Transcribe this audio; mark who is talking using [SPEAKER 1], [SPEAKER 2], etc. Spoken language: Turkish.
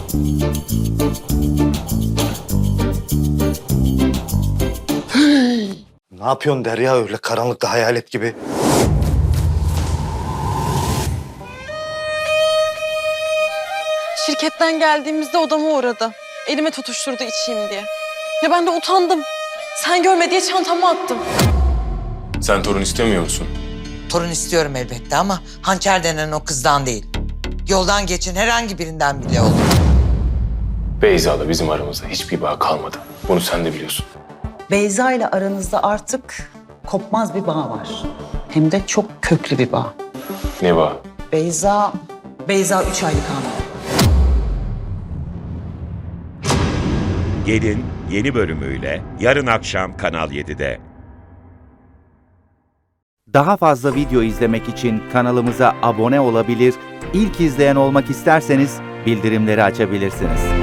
[SPEAKER 1] Ne yapıyorsun Derya öyle karanlıkta hayalet gibi?
[SPEAKER 2] Şirketten geldiğimizde odama uğradı. Elime tutuşturdu içeyim diye. Ya ben de utandım. Sen görme diye çantama attım.
[SPEAKER 3] Sen torun istemiyor musun?
[SPEAKER 4] Torun istiyorum elbette ama Hançer denen o kızdan değil. Yoldan geçin herhangi birinden bile olur.
[SPEAKER 3] Beyza'la bizim aramızda hiçbir bağ kalmadı. Bunu sen de biliyorsun.
[SPEAKER 5] Beyza ile aranızda artık kopmaz bir bağ var. Hem de çok köklü bir bağ.
[SPEAKER 3] Ne bağ?
[SPEAKER 5] Beyza 3 aylık hamile.
[SPEAKER 6] Gelin yeni bölümüyle yarın akşam Kanal 7'de.
[SPEAKER 7] Daha fazla video izlemek için kanalımıza abone olabilir, ilk izleyen olmak isterseniz bildirimleri açabilirsiniz.